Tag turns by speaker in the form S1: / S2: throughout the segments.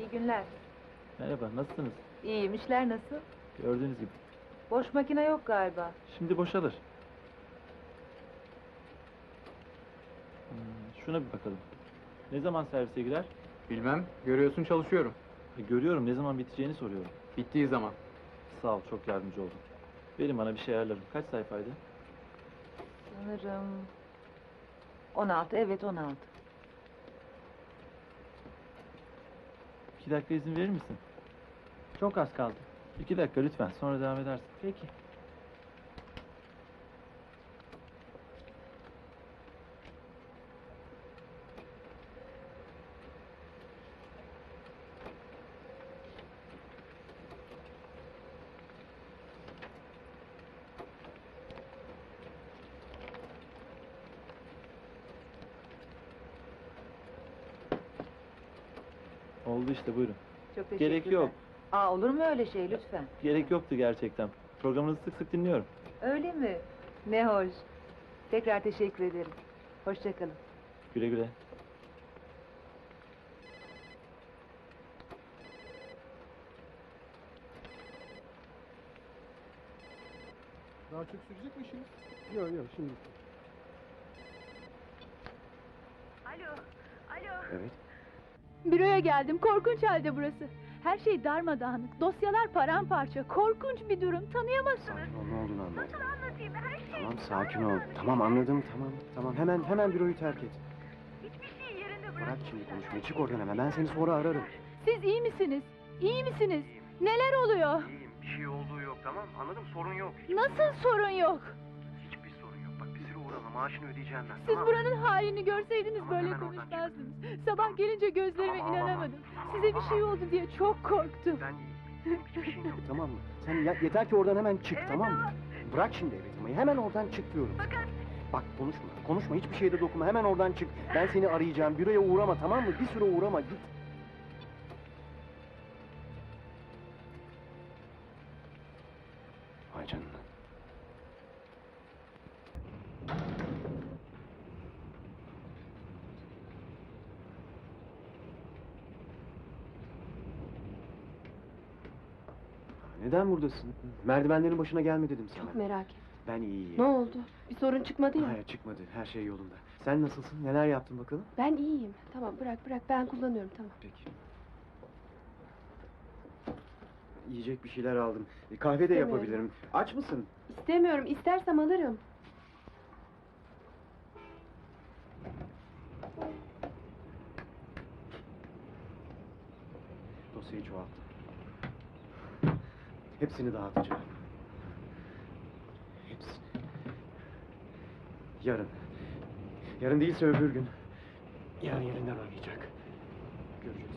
S1: İyi günler.
S2: Merhaba, nasılsınız?
S1: İyiyim, işler nasıl?
S2: Gördüğünüz gibi.
S1: Boş makine yok galiba.
S2: Şimdi boşalır. Şuna bir bakalım. Ne zaman servise girer?
S3: Bilmem, görüyorsun çalışıyorum.
S2: Görüyorum, ne zaman biteceğini soruyorum.
S3: Bittiği zaman.
S2: Sağ ol, çok yardımcı oldun. Verin bana bir şey ayarlarım. Kaç sayfaydı?
S1: Sanırım... 16, evet 16.
S2: 2 dakika izin verir misin?
S4: Çok az kaldı.
S2: 2 dakika lütfen, sonra devam edersin.
S4: Peki.
S2: Oldu işte, buyurun.
S1: Çok teşekkürler.
S2: Gerek yok.
S1: Olur mu öyle şey lütfen?
S2: Gerek yoktu gerçekten. Programınızı sık sık dinliyorum.
S1: Öyle mi? Ne hoş. Tekrar teşekkür ederim. Hoşça kalın.
S2: Güle güle.
S5: Daha çok sürecek mi işiniz? Yok şimdi.
S6: Evet.
S7: Büroya geldim. Korkunç halde burası. Her şey darmadağınık. Dosyalar paramparça. Korkunç bir durum. Tanıyamazsınız.
S6: Sakin ol, ne olduğunu anladım. Tamam, sakin ol. Tamam, anladım, tamam. Hemen büroyu terk et. Bırak şimdi konuşmayı, çık oradan hemen. Ben seni sonra ararım.
S7: Siz iyi misiniz? İyi misiniz? Neler oluyor?
S6: İyiyim, bir şey olduğu yok, tamam. Anladım, sorun yok.
S7: Nasıl sorun yok?
S6: Hiçbir sorun yok. Bak, bir süre uğrama, maaşını ödeyeceğim ben,
S7: Siz
S6: tamam.
S7: buranın halini görseydiniz
S6: Tamam,
S7: böyle
S6: hemen oradan
S7: konuşmazdınız. Sabah gelince gözlerime
S6: Tamam, ağlama.
S7: inanamadım. Size bir şey oldu diye çok korktum.
S6: Ben iyiyim. Benim hiçbir şeyim yok, tamam mı? Sen yeter ki oradan hemen çık, tamam mı? Bırak şimdi evi tutmayı, hemen oradan çık diyorum. Bak, konuşma, hiçbir şeyde dokunma. Hemen oradan çık. Ben seni arayacağım, büroya uğrama, tamam mı? Bir süre uğrama, git. Vay canına. Neden buradasın? Merdivenlerin başına gelme dedim sana.
S8: Çok merak ettim.
S6: Ben iyiyim.
S8: Ne oldu? Bir sorun çıkmadı ya.
S6: Hayır, çıkmadı. Her şey yolunda. Sen nasılsın? Neler yaptın bakalım?
S8: Ben iyiyim. Tamam, bırak ben kullanıyorum, tamam.
S6: Peki. Yiyecek bir şeyler aldım. Kahve de
S8: İstemiyorum.
S6: yapabilirim. Aç mısın?
S8: İstemiyorum. İstersem alırım.
S6: Dosyayı çoğalttım. Hepsini dağıtacağım. Hepsini. Yarın. Yarın değilse öbür gün. Yarın yerinden oynayacak. Göreceksin.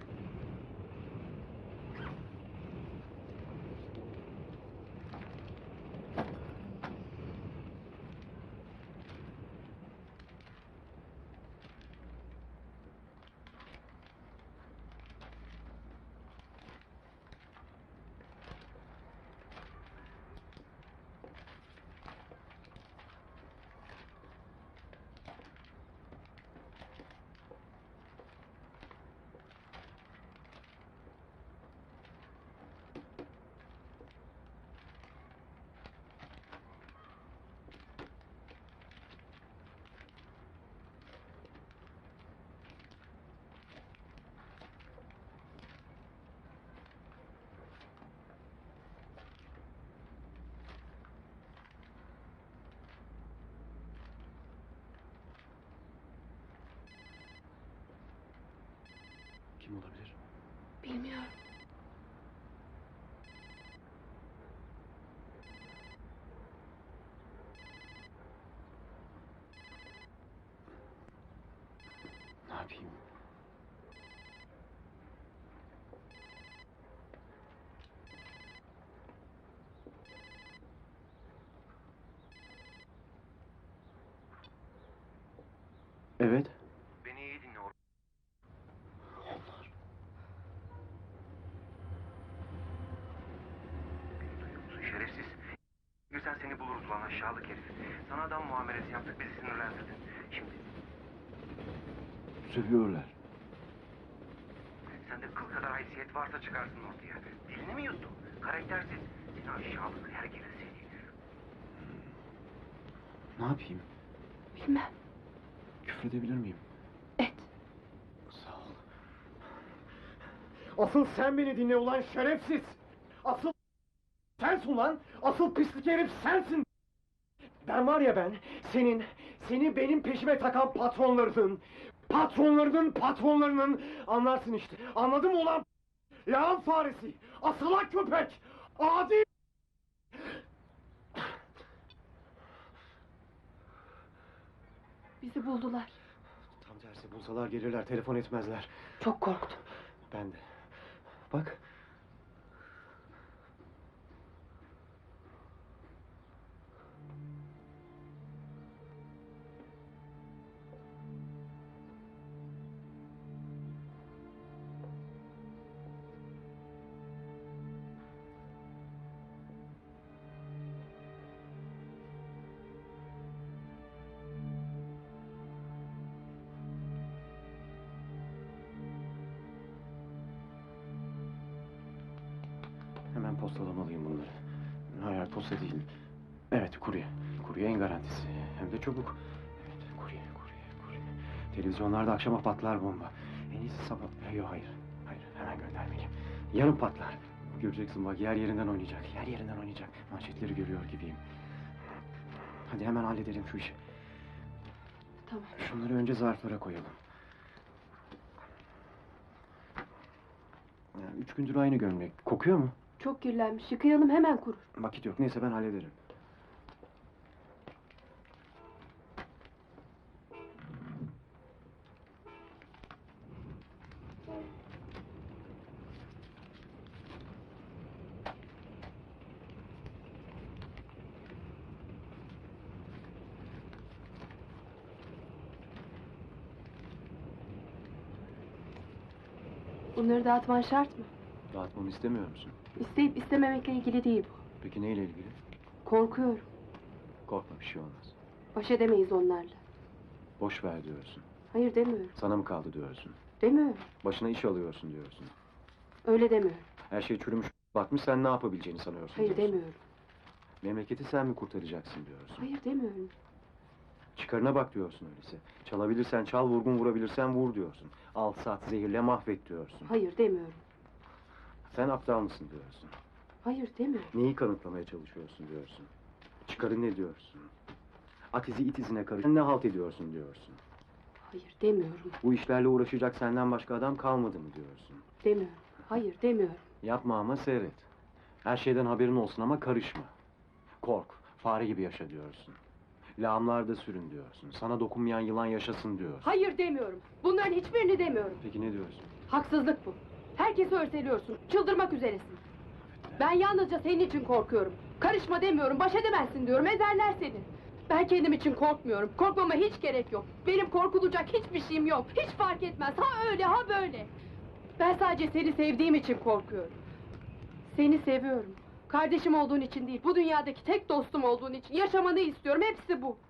S6: Kim olabilir?
S8: Bilmiyorum.
S6: Ne yapayım? Evet. Beni iyi dinle. Onlar. Beni duyuyor musun şerefsiz? Sen seni buluruz lan aşağılık herif. Sana adam muamelesi yaptık, bizi sinirlendirdin. Şimdi
S2: Seviyorlar.
S6: sen de kıl
S9: haysiyet varsa çıkarsın ortaya. Dilini mi yuttun? Karaktersiz. Seni aşağılık herkese seni.
S6: Ne yapayım?
S8: Bilmem.
S6: Küfredebilir miyim?
S8: Et.
S6: Sağ ol. Asıl sen beni dinle ulan şerefsiz! Asıl sensin ulan! Asıl pislik herif sensin! Ben var ya ben, seni benim peşime takan patronlarının anlarsın işte. Anladın mı ulan? Lağım faresi, asılan köpek, adi!
S8: Bizi buldular.
S6: Tam tersi bulsalar gelirler, telefon etmezler.
S8: Çok korktum.
S6: Ben de. Bak. Hemen postalamalıyım bunları. Hayır, posta değil. Evet, kurye. Kurye en garantisi. Hem de çabuk. Evet, kurye. Televizyonlarda akşama patlar bomba. En iyisi sabah... Yok, hayır. Hayır, hemen göndermeliyim. Yarın patlar. Göreceksin bak, yer yerinden oynayacak. Manşetleri görüyor gibiyim. Hadi hemen halledelim şu işi.
S8: Tamam.
S6: Şunları önce zarflara koyalım. Ya, 3 gündür aynı gömlek. Kokuyor mu?
S8: Çok kirlenmiş. Yıkayalım hemen kurur.
S6: Vakit yok. Neyse ben hallederim.
S8: Bunları dağıtman şart mı?
S6: Dağıtmamı istemiyor musun?
S8: İsteyip istememekle ilgili değil bu.
S6: Peki neyle ilgili?
S8: Korkuyorum.
S6: Korkma, bir şey olmaz.
S8: Baş edemeyiz onlarla.
S6: Boş ver diyorsun.
S8: Hayır demiyorum.
S6: Sana mı kaldı diyorsun.
S8: Demiyorum.
S6: Başına iş alıyorsun diyorsun.
S8: Öyle demiyorum.
S6: Her şey çürümüş batmış, sen ne yapabileceğini sanıyorsun
S8: Hayır
S6: diyorsun.
S8: demiyorum.
S6: Memleketi sen mi kurtaracaksın diyorsun.
S8: Hayır demiyorum.
S6: Çıkarına bak diyorsun öyleyse. Çalabilirsen çal, vurgun vurabilirsen vur diyorsun. Al, sat, zehirle, mahvet diyorsun.
S8: Hayır demiyorum.
S6: Sen aptal mısın diyorsun.
S8: Hayır demiyorum.
S6: Neyi kanıtlamaya çalışıyorsun diyorsun. Çıkarı ne diyorsun. At izi it izine karış. Sen ne halt ediyorsun diyorsun.
S8: Hayır demiyorum.
S6: Bu işlerle uğraşacak senden başka adam kalmadı mı diyorsun.
S8: Demiyorum. Hayır demiyorum.
S6: Yapma ama seyret. Her şeyden haberin olsun ama karışma. Kork, fare gibi yaşa diyorsun. Lağımlarda sürün diyorsun. Sana dokunmayan yılan yaşasın diyorsun.
S8: Hayır demiyorum. Bunların hiçbirini demiyorum.
S6: Peki ne diyorsun?
S8: Haksızlık bu. Herkesi örseliyorsun. Çıldırmak üzeresin. Ben yalnızca senin için korkuyorum. Karışma demiyorum. Baş edemezsin diyorum. Ezerler seni. Ben kendim için korkmuyorum. Korkmama hiç gerek yok. Benim korkulacak hiçbir şeyim yok. Hiç fark etmez. Ha öyle ha böyle. Ben sadece seni sevdiğim için korkuyorum. Seni seviyorum. Kardeşim olduğun için değil. Bu dünyadaki tek dostum olduğun için. Yaşamanı istiyorum. Hepsi bu.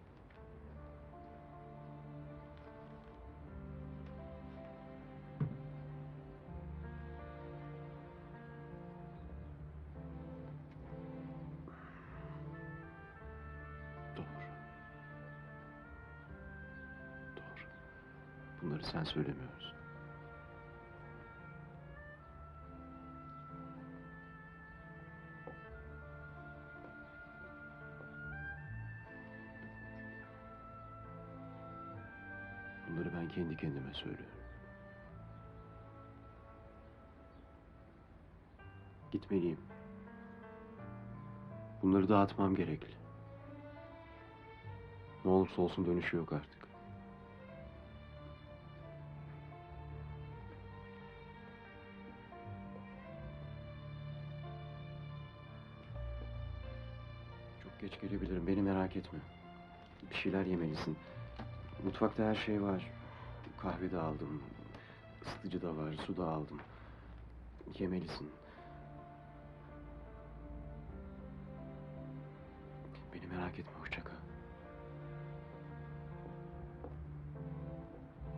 S6: Doğru. Doğru. Bunları sen söylemiyorsun. Bunları ben kendi kendime söylüyorum. Gitmeliyim. Bunları dağıtmam gerekli. Ne olursa olsun dönüşü yok artık. Çok geç gelebilirim, beni merak etme. Bir şeyler yemelisin. Mutfakta her şey var. Kahve de aldım. Isıtıcı da var, su da aldım. Yemelisin. Beni merak etme, hoşça kal.